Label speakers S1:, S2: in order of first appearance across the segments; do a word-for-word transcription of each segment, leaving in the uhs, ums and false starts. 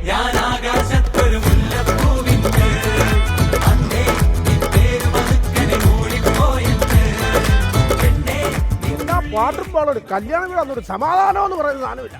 S1: Water പാളോട് കല്യാണം വീടാന്നൊരു സമാധാനം എന്ന് പറയുന്ന സാധനമില്ല.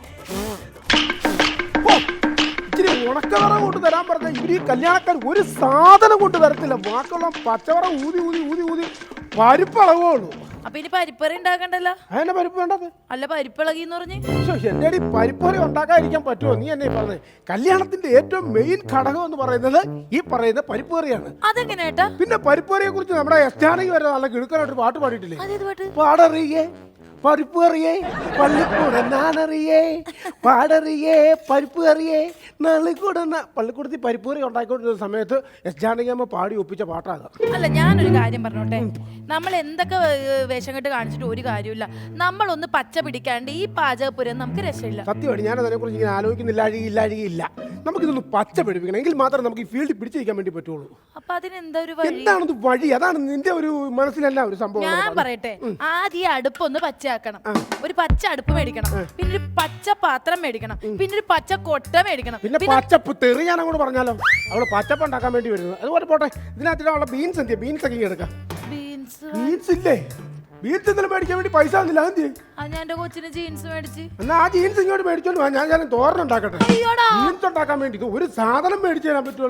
S1: ഇച്ചിരി ഉണക്കവറ കൊണ്ട് തരാൻ പറഞ്ഞ ഇവര് ഈ കല്യാണക്കാർ ഒരു സാധനം കൊണ്ട് തരത്തില്ല. ബാക്കിയുള്ള പച്ചവറ ഊതി ഊതി ഊതി ഊതി പരിപ്പളവേ ഉള്ളൂ.
S2: അപ്പൊ ഇനി പരിപ്പറി ഉണ്ടാക്കണ്ടല്ലോ.
S1: അതിന്റെ പരിപ്പ് വേണ്ടത്
S2: അല്ല പരിപ്പിളകിന്ന് പറഞ്ഞ്
S1: എന്റെ അടി പരിപ്പറി ഉണ്ടാക്കാതിരിക്കാൻ പറ്റുമോ? നീ എന്നെ പറഞ്ഞത് കല്യാണത്തിന്റെ ഏറ്റവും മെയിൻ ഘടകം എന്ന് പറയുന്നത് ഈ പറയുന്ന പരിപ്പറിയാണ്.
S2: അതെങ്ങനെയാ?
S1: പിന്നെ പരിപ്പറിയെ കുറിച്ച് നമ്മുടെ എസ്റ്റാനകി വരെ നല്ല കിടുക്കാനായിട്ട് പാട്ട് പാടിയിട്ടില്ലേ?
S2: അതേത് പാട്ട്?
S1: പാടറിയേ പരിപ്പ് അറിയേ പള്ളിക്കൂടെ നാനറിയേ പാടറിയേ പരിപ്പ് അറിയേ നള്ളിക്കൂടെ പള്ളിക്കൂടത്തിൽ പരിപ്പ് കറി ഉണ്ടാക്കിക്കൊണ്ടിരുന്ന സമയത്ത് എസ് ജാനകിയമ്മ പാടി ഒപ്പിച്ച പാട്ടാകാം.
S2: അല്ല ഞാനൊരു കാര്യം പറഞ്ഞോട്ടെ, നമ്മൾ എന്തൊക്കെ വേഷം കെട്ട് കാണിച്ചിട്ട് ഒരു കാര്യമില്ല. നമ്മളൊന്ന് പച്ച പിടിക്കാണ്ട് ഈ പാചകപ്പുരം നമുക്ക് രക്ഷയില്ല.
S1: സത്യമാണ്, ഞാൻ അതിനെ കുറിച്ച് ഇങ്ങനെ ആലോചിക്കുന്നില്ല. അഴുകിയില്ല അഴുകിയില്ല നമുക്കിതൊന്ന് പച്ച പിടിപ്പിക്കണം, എങ്കിൽ മാത്രമേ നമുക്ക് ഈ ഫീൽഡിൽ പിടിച്ചിരിക്കാൻ വേണ്ടി പറ്റുള്ളൂ.
S2: അപ്പൊ അതിനെന്താ ഒരു വഴി?
S1: എന്താണത് വഴി? അതാണ് നിന്റെ ഒരു മനസ്സിലല്ല ഒരു സംഭവം.
S2: ഞാൻ പറയട്ടെ, ആദ്യം ഈ അടുപ്പൊന്ന് പച്ചയാക്കണം. ഒരു പച്ച അടുപ്പ് മേടിക്കണം, പിന്നെ ഒരു പച്ച പാത്രം മേടിക്കണം, പിന്നെ ഒരു പച്ച കൊട്ട മേടിക്കണം,
S1: പിന്നെ പച്ചപ്പ് തെറി ഞാൻ അങ്ങോട്ട് പറഞ്ഞാലോ അവള് പച്ചപ്പ് ഉണ്ടാക്കാൻ വേണ്ടി വരുന്നത്. അതുപോലെ പോട്ടെ, ഇതിനകത്ത് അവളെ ബീൻസ് എന്തിയാ? ബീൻസ് ഒക്കെ എടുക്കാം.
S2: ബീൻസ്
S1: ബീൻസ് ഇല്ലേ? ബീൻസ് എന്തെങ്കിലും മേടിക്കാൻ വേണ്ടി പൈസ ഒന്നുമില്ല. അതെന്ത്?
S2: ഞാൻ എന്റെ കൊച്ചിന് ജീൻസ് മേടിച്ച്.
S1: എന്നാ ആ ജീൻസ് ഇങ്ങോട്ട് മേടിച്ചോണ്ട് വാ, ഞാൻ ഞാൻ തോരൻ ഉണ്ടാക്കട്ടെ. ജീൻസ് ഉണ്ടാക്കാൻ വേണ്ടി ഒരു സാധനം മേടിച്ചു തരാൻ പറ്റുള്ളൂ.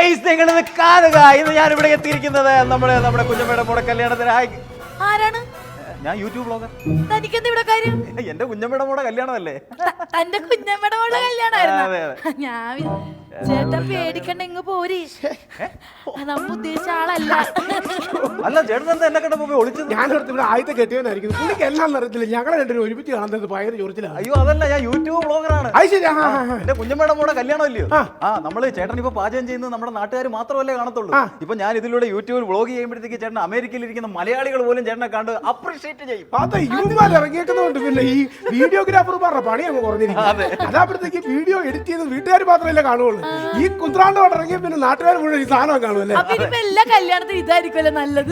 S3: ഞാൻ ഇവിടെ എത്തിയിരിക്കുന്നത് നമ്മുടെ നമ്മുടെ കുഞ്ഞമ്മയുടെ മോടെ കല്യാണത്തിന്.
S2: ആരാണ്?
S3: ഞാൻ യൂട്യൂബ് ബ്ലോഗർ.
S2: തനിക്കെന്താ ഇവിടെ കാര്യം?
S3: എന്റെ കുഞ്ഞമ്മയുടെ മോടെ കല്യാണമല്ലേ?
S2: തന്റെ കുഞ്ഞമ്മയുടെ മോളുടെ കല്യാണമായിരുന്നു. ഞാൻ ചേട്ടൻ പേടിക്കണ്ട, ഇങ്ങ് പോരി. നമ്മ ഉദ്ദേശിച്ച ആളല്ല.
S3: അല്ല ചേട്ടൻ എന്താ എന്നെ കണ്ടപ്പോ പോയി ഒളിച്ചത്?
S1: ഞാനടുത്ത് ഇവിടെ ആദ്യത്തെ കെട്ടിയവനായിരിക്കും. പുള്ളിക്ക് എല്ലാം അറിയത്തില്ല. ഞങ്ങളെ രണ്ടുപേരും ഒരുമിച്ച് കാണുന്നത് ഭയങ്കര ചൊറിച്ചിലാണ്.
S3: അയ്യോ അതല്ല, ഞാൻ യൂട്യൂബ് ബ്ലോഗറാണ്.
S1: അത് ശരി.
S3: എന്റെ കുഞ്ഞമ്മയുടെ മോടെ കല്യാണമല്ലയോ? ആ നമ്മള് ചേട്ടൻ ഇപ്പൊ പാചകം ചെയ്യുന്നത് നമ്മുടെ നാട്ടുകാർ മാത്രമല്ലേ കാണത്തുള്ളൂ. ഇപ്പൊ ഞാൻ ഇതിലൂടെ യൂട്യൂബിൽ വ്ളോഗ് ചെയ്യുമ്പോഴത്തേക്ക് ചേട്ടൻ അമേരിക്കയിൽ ഇരിക്കുന്ന മലയാളികൾ പോലും ചേട്ടനെ കണ്ട് അപ്രീഷിയേറ്റ് ചെയ്യും.
S1: അതെ, യൂട്യൂബിൽ ഇറങ്ങിയേക്കുന്നതുകൊണ്ട് പിന്നെ ഈ വീഡിയോഗ്രാഫർ പറഞ്ഞ പണി അങ്ങ് കുറഞ്ഞിരിക്കും. അതാകുമ്പോഴത്തേക്ക് വീഡിയോ എഡിറ്റ് ചെയ്ത് വീട്ടുകാർ മാത്രമല്ലേ കാണുള്ളൂ. ഈ കുന്ത്രാണ്ടോട് ഇറങ്ങിയ പിന്നെ നാട്ടുകാർ മുഴുവൻ ഈ സാധനം കാണുമല്ലേ.
S2: എല്ലാ കല്യാണത്തിനും ഇതായിരിക്കുമല്ലോ നല്ലത്.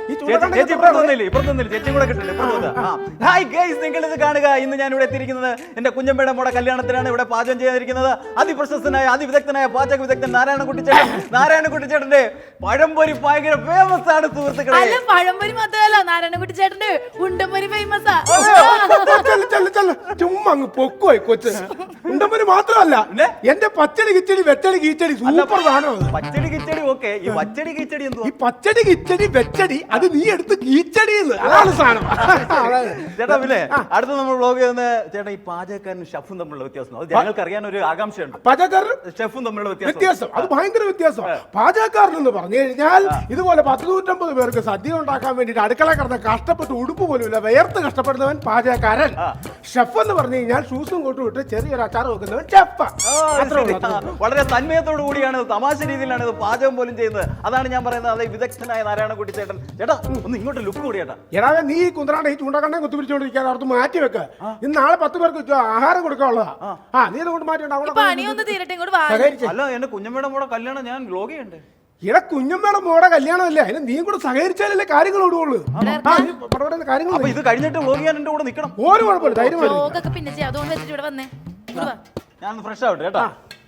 S3: നിങ്ങൾ ഇത് കാണുക. ഇന്ന് ഞാൻ ഇവിടെ എത്തിയിരിക്കുന്നത് എന്റെ കുഞ്ഞമ്മയുടെ മോടെ കല്യാണത്തിനാണ്. ഇവിടെ പാചകം ചെയ്തിരിക്കുന്നത് അതിപ്രശസ്തനായ അതിവിദഗ്ധനായ പാചക വിദഗ്ധൻ നാരായണൻകുട്ടി ചേട്ടൻ. നാരായണൻകുട്ടി ചേട്ടന്റെ പഴംപൊരി ഭയങ്കര ഫേമസ് ആണ് സുഹൃത്തുക്കളെ.
S2: പഴംപൊരി മാത്രമല്ല, നാരായണൻകുട്ടി ചേട്ടന്റെ ഉണ്ടംപൊരി ഫേമസാ.
S1: ചുമ്മാ അങ്ങ് പൊക്കുപോയി കൊച്ച്. ഉണ്ടംപൊരി മാത്രമല്ല, എന്റെ പച്ചടി കിച്ചടി വെച്ചടി കീച്ചടി സൂപ്പർ സാധനം.
S3: പച്ചടി കിച്ചടി ഓക്കെ, ഈ പച്ചടി കിച്ചടി എന്തോ?
S1: ഈ പച്ചടി കിച്ചടി വെച്ചടി അത് നീ എടുത്ത് കീച്ചടി അതാണ് സാധനം.
S3: ചേട്ടാ പിന്നെ അടുത്ത നമ്മൾ വ്ളോഗ് ചെയ്യുന്ന ചേട്ടാ, ഈ പാചകക്കാരനും ഷെഫും തമ്മിലുള്ള വ്യത്യാസം അത് ഞങ്ങൾക്ക് അറിയാൻ ഒരു ആകാംക്ഷയുണ്ട്.
S1: പാചകക്കാരനും
S3: ഷെഫും തമ്മിലുള്ള
S1: വ്യത്യാസം അത് ഭയങ്കര വ്യത്യാസം. പാചകക്കാരൻ എന്ന് പറഞ്ഞു കഴിഞ്ഞാൽ ഇതുപോലെ പത്ത് നൂറ്റമ്പത് പേർക്ക് സദ്യ ഉണ്ടാക്കാൻ വേണ്ടിട്ട് അടുക്കള കിടന്ന് കഷ്ടപ്പെട്ട് ഉടുപ്പ് പോലും ഇല്ല വേർത്ത് കഷ്ടപ്പെടുന്നവൻ പാചകക്കാരൻ. ഷെഫ് എന്ന് പറഞ്ഞു കഴിഞ്ഞാൽ ഷൂസും കൊണ്ടു വിട്ട് ചെറിയൊരു അച്ചാർ വെക്കുന്നവൻ ഷെഫ്.
S3: വളരെ തന്മയത്തോടു കൂടിയാണ്, തമാശ രീതിയിലാണ് ഇത് പാചകം പോലും ചെയ്യുന്നത്. അതാണ് ഞാൻ പറയുന്നത്. അതെ, വിദഗ്ധനായ നാരായണൻകുട്ടി ചേട്ടൻ. ചേട്ടാ ഒന്ന് ഇങ്ങോട്ട് ലുക്ക് കൂടി ചേട്ടാ.
S1: എടാ നീ ഈ കുന്ത്രാണ്ട് ഈ ചൂണ്ടക്കണ്ണെ കുത്തിപ്പിടിച്ചോണ്ടിരിക്കാൻ അവിടുത്തെ മാറ്റി വെക്ക. ഇന്ന് നാളെ പത്ത് പേർക്ക് ആഹാരം കൊടുക്കാനുള്ളതാ. ആ നീ അതുകൊണ്ട് മാറ്റി.
S3: അല്ല എന്റെ കുഞ്ഞമ്മയുടെ മോടെ കല്യാണം ഞാൻ വ്ളോഗ് ചെയ്യണ്ടേ?
S1: ഇവിടെ കുഞ്ഞമ്മയുടെ മോടെ കല്യാണമല്ലേ, അതിന് നീ കൂടെ സഹകരിച്ചാലല്ലേ കാര്യങ്ങൾ ഓടുള്ളൂ.
S3: കാര്യങ്ങൾ ഇത് കഴിഞ്ഞിട്ട് വ്ളോഗ് ചെയ്യാൻ എന്റെ കൂടെ നിൽക്കണം.
S1: ഒരു കുഴപ്പമില്ല, ധൈര്യം
S3: ഞാൻ ഫ്രഷ് ആവട്ടെ കേട്ടാ.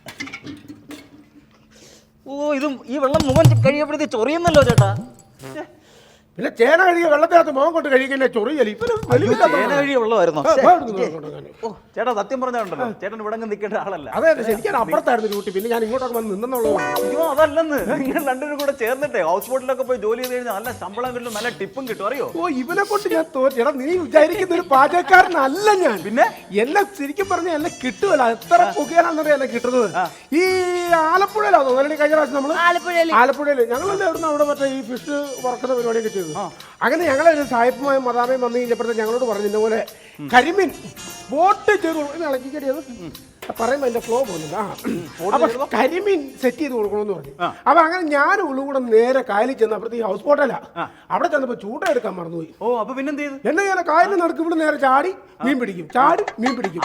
S3: ഓ ഇതും ഈ വെള്ളം മുഖം കഴിയപ്പോഴത്തേക്ക് ചൊറിയുന്നല്ലോ ചേട്ടാ.
S1: പിന്നെ ചേന കഴുകിയ വെള്ളത്തിനകത്ത് മുഖം കൊണ്ട് കഴിക്കുന്ന ചൊറിയല്.
S3: ചേന കഴുകിയ വെള്ളമായിരുന്നോ? ഓ ചേട്ടാ സത്യം പറഞ്ഞാണ്ടല്ലോ, ചേട്ടൻ ഇവിടെ നിൽക്കേണ്ട ആളല്ല.
S1: അതെ അതെ, ശരിക്കും അപ്പുറത്തായിരുന്നു ഡ്യൂട്ടി. പിന്നെ ഞാൻ ഇങ്ങോട്ടൊക്കെ വന്ന് നിന്നുള്ളൂ.
S3: അയ്യോ അതല്ലെന്ന്, നിങ്ങൾ രണ്ടുപേരും കൂടെ ചേർന്നിട്ടേ ഹൗസ് ബോട്ടിലൊക്കെ പോയി ജോലി ചെയ്ത് കഴിഞ്ഞാൽ നല്ല ശമ്പളം കിട്ടും, നല്ല ടിപ്പും കിട്ടും. അറിയോ?
S1: ഓ ഇവനെ കൊണ്ട് ഞാൻ തോറ്റ. നീ വിചാരിക്കുന്ന ഒരു പാചകക്കാരനല്ല ഞാൻ.
S3: പിന്നെ
S1: എന്നെ ശരിക്കും പറഞ്ഞാൽ എന്നെ കിട്ടുമല്ല. എത്ര പുകയാണെന്നറിയാം എന്നെ കിട്ടുന്നത്. ഈ ആലപ്പുഴയിലാണോ അല്ലെങ്കിൽ കഴിഞ്ഞ പ്രാവശ്യം നമ്മള് ആലപ്പുഴയില് ഞങ്ങളല്ലേ അവിടുന്ന് അവിടെ മറ്റേ ഈ ഫിഷ് വറക്കുന്ന പരിപാടിയൊക്കെ ചെയ്തു. അങ്ങനെ ഞങ്ങളൊരു സായിപ്പുമായും മദാമയും വന്നു കഴിഞ്ഞപ്പോഴത്തെ ഞങ്ങളോട് പറഞ്ഞു ഇതുപോലെ കരിമീൻ ബോട്ട് ചെയ്ത് ഇളക്കിക്കടിയത് പറയുമ്പോ എന്റെ ഫ്ലോ പോകുന്നില്ല. അപ്പൊ കരിമീൻ സെറ്റ് ചെയ്ത് കൊടുക്കണമെന്ന് പറഞ്ഞു. അപ്പൊ അങ്ങനെ ഞാൻ ഉള്ളു കൂടെ നേരെ കായലിൽ ചെന്ന് അപ്പുറത്ത് ഈ ഹൗസ് ബോട്ടല്ല അവിടെ ചെന്നപ്പോ ചൂണ്ട എടുക്കാൻ മറന്നുപോയി.
S3: ഓ അപ്പൊ പിന്നെ
S1: എന്നെ ഞാൻ കായലിൽ നടക്കും. ഇവിടെ നേരെ ചാടി മീൻ പിടിക്കും, ചാടി മീൻ പിടിക്കും.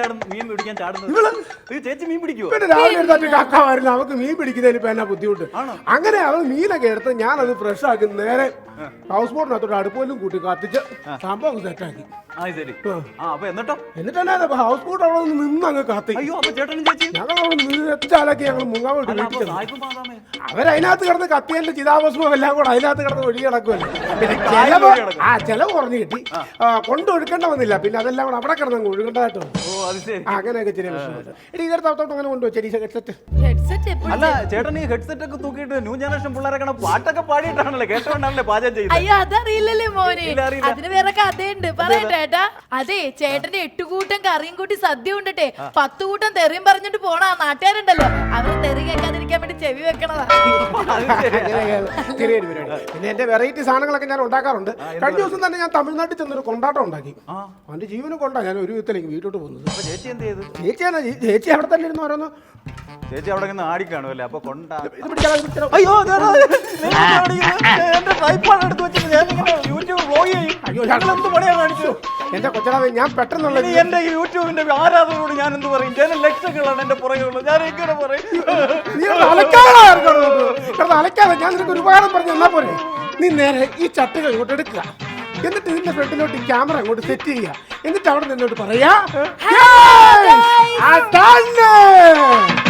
S1: പിന്നെ രാവിലെ എടുത്തിട്ട് കാക്കാവായിരുന്നു അവർക്ക് മീൻ പിടിക്കുന്നതിന് ഇപ്പൊ എന്നാ ബുദ്ധിമുട്ട്. അങ്ങനെ അവൾ മീനൊക്കെ എടുത്ത് ഞാനത് ഫ്രഷ് ആക്കി നേരെ ഹൗസ് ബോട്ടിനകത്തോട്ട് അടുപ്പോലും കൂട്ടി കത്തിച്ച് സംഭവം സെറ്റാക്കി. എന്നിട്ട് ഹൗസ് ബോട്ട് അവിടെ നിന്ന് അങ്ങ് കത്തി.
S3: അയ്യോ അപ്പൊ ചേട്ടനും ചേച്ചി
S1: ഞങ്ങൾ നിരച്ചാലൊക്കെ ഞങ്ങൾ മുങ്ങാൻ വേണ്ടി വീട്ടിൽ ചെന്നു.
S3: സായിപ്പും ബാദാമേ
S1: അവരതിനകത്ത് കിടന്ന് കത്തിയതിന്റെ ചിതാഭസ്മം എല്ലാം കൂടെ അതിനകത്ത് കിടന്ന് ഒഴുകി കിടക്കുമല്ലോ. പിന്നെ ചെലവ് ആ ചെലവ് കുറഞ്ഞു കിട്ടി. കൊണ്ടൊഴുക്കേണ്ട വന്നില്ല. പിന്നെ അതെല്ലാം കൂടെ അവിടെ കിടന്ന് ഒഴുകേണ്ടതായിട്ട് വന്നു.
S3: ഓ അത് ശരി.
S1: അങ്ങനെയൊക്കെ ചെറിയ വിഷയമുണ്ട്. ഇനി ഇതെടുത്തോട്ട് അങ്ങനെ കൊണ്ടുപോയി ചെടി ഹെഡ്സെറ്റ്.
S2: ഹെഡ്സെറ്റ് എപ്പോഴും
S3: അല്ല ചേട്ടൻ ഈ ഹെഡ്സെറ്റ് ഒക്കെ തൂക്കിയിട്ട് ന്യൂ ജനറേഷൻ പിള്ളേരൊക്കെ പാട്ടൊക്കെ പാടിയിട്ടാണല്ലേ കേട്ടോണ്ടാണല്ലേ പാചകം ചെയ്യുന്നത്.
S2: അയ്യോ അതറിയില്ലല്ലേ മോനെ.
S3: ഇല്ല, അറിയില്ല.
S2: അതിന് വേറെ കഥയുണ്ട് പറയട്ടെ ഏട്ടാ. അതെ ചേട്ടന്റെ എട്ടുകൂട്ടം കറിയും കൂട്ടി സദ്യ ഉണ്ടട്ടെ പത്ത് കൂട്ടം തെറിയും പറഞ്ഞിട്ട് പോണ ആ നാട്ടുകാരുണ്ടല്ലോ അവര് തെറി കേൾക്കാതിരിക്കാൻ വേണ്ടി ചെവി വെക്കണതാ.
S1: ചെറിയൊരു പരിപാടി. പിന്നെ എന്റെ വെറൈറ്റി സാധനങ്ങളൊക്കെ ഞാൻ ഉണ്ടാക്കാറുണ്ട്. കഴിഞ്ഞ ദിവസം തന്നെ ഞാൻ തമിഴ്നാട്ടിൽ ചെന്നൊരു കൊണ്ടാട്ടം ഉണ്ടാക്കി. അവന്റെ ജീവനും കൊണ്ടാ ഞാൻ ഒരു വിധത്തിലേക്ക് വീട്ടോട്ട് പോകുന്നത്.
S3: അപ്പൊ ചേച്ചി എന്ത് ചെയ്തു?
S1: ചേച്ചിയാണ് ചേച്ചി അവിടെ തന്നെ ഇരുന്ന് ഓരോന്ന്
S3: ചേച്ചി അവിടെ നിന്ന് ആടിക്കാണുമല്ലേ അപ്പൊ കൊണ്ടാ
S1: ഇത് പിടിച്ചാൽ അത് പിടിച്ചാലോ?
S3: അയ്യോ എന്റെ ട്രൈപ്പോഡ് എടുത്ത് വെച്ചിട്ട് ഞാൻ ഇങ്ങനെ യൂട്യൂബ് വ്ലോഗ് ചെയ്യും.
S1: അയ്യോ,
S3: ഞങ്ങൾ എന്ത് പണിയാ കാണിച്ചു?
S1: എന്റെ കൊച്ചടാവേ ഞാൻ പെട്ടെന്നുള്ള
S3: ഇനി എന്റെ യൂട്യൂബിന്റെ ആരാധകരോട് ഞാൻ എന്ത് പറയും? ജന ലക്ഷങ്ങളാണ് എന്റെ പുറകെയുള്ളത്. ഞാൻ എങ്ങനെ പറയും?
S1: നീ ഒന്ന് അലക്കാതെ കിടന്ന് അലക്കാതെ ഞാൻ നിനക്ക് ഒരു ഉപകാരം പറഞ്ഞു തന്നാ പോരെ. നീ നേരെ ഈ ചട്ടുകൾ ഇങ്ങോട്ട് എടുക്കുക. എന്നിട്ട് ഇതിന്റെ ഫ്രണ്ടിലോട്ട് ഈ ക്യാമറ അങ്ങോട്ട് സെറ്റ് ചെയ്യുക. എന്നിട്ട് അവിടെ നിന്നോട്ട് പറയാ